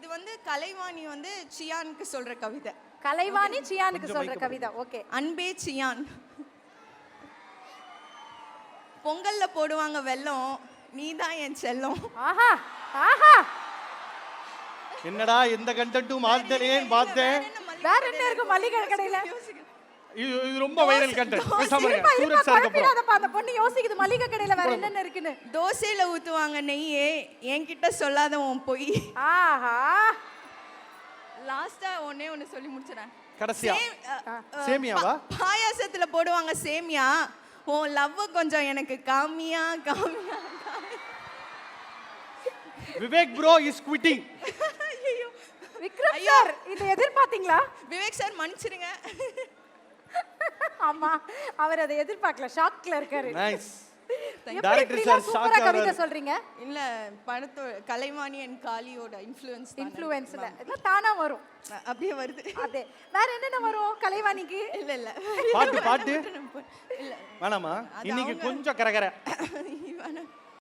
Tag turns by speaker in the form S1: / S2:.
S1: இது வந்து கலைவாணி வந்து சியானுக்கு சொல்ற கவிதை.
S2: கலைவாணி சியானுக்கு சொல்ற கவிதை. ஓகே.
S1: அன்பே சியான், பொங்கல்ல போடுவாங்க வெல்லம், நீதான் என் செல்லம்.
S2: ஆஹா ஆஹா,
S3: என்னடா எந்த கண்டென்ட்டும் மாத்தலேன்னு பார்த்தேன்.
S2: வேற என்ன இருக்கு மல்லிகை கடையில?
S3: இது ரொம்ப வைரல் கண்டென்ட். பேசாம இருங்க.
S2: இருப்பா,
S3: சூரஜ் சார் அப்புறம்
S2: குழப்பிடாதப்பா, அந்த பொண்ணு யோசிக்குது மல்லிகை கடையில வேற என்னென்ன இருக்குன்னு.
S1: தோசையில ஊத்துவாங்க நெய்யே, என்கிட்ட சொல்லாத உன் பொய்.
S2: ஆஹா,
S1: லாஸ்டா ஒண்ணு சொல்லி முடிச்சறேன்.
S3: கடைசியா சேமியாவா?
S1: பாயாசத்துல போடுவாங்க சேமியா, உன் லவ் கொஞ்சம் எனக்கு காமியா காமியா.
S3: Vivek bro is quitting.
S2: Vikram sir இதை எதிர்பார்த்தீங்களா?
S1: விவேக் சார் மன்னிச்சிடுங்க.
S2: ஆமா, அவர் அதை எதிர்பார்க்கல, ஷாக்ல இருக்காரு.
S3: நைஸ்.
S2: டைரக்டர் சார் சூப்பரா கவிதை சொல்றீங்க.
S1: இல்ல படத்தோட கலைவாணி அண்ட் காளியோட
S2: இன்ஃப்ளூயன்ஸ்ல எல்லாம் தானா வரும்,
S1: அப்படியே வருது.
S2: அதே வேற என்னென்ன வரும் கலைவாணிக்கு?
S1: இல்ல
S3: பாட்டு இல்ல வேணாமா, இன்னைக்கு கொஞ்சம் கரகர.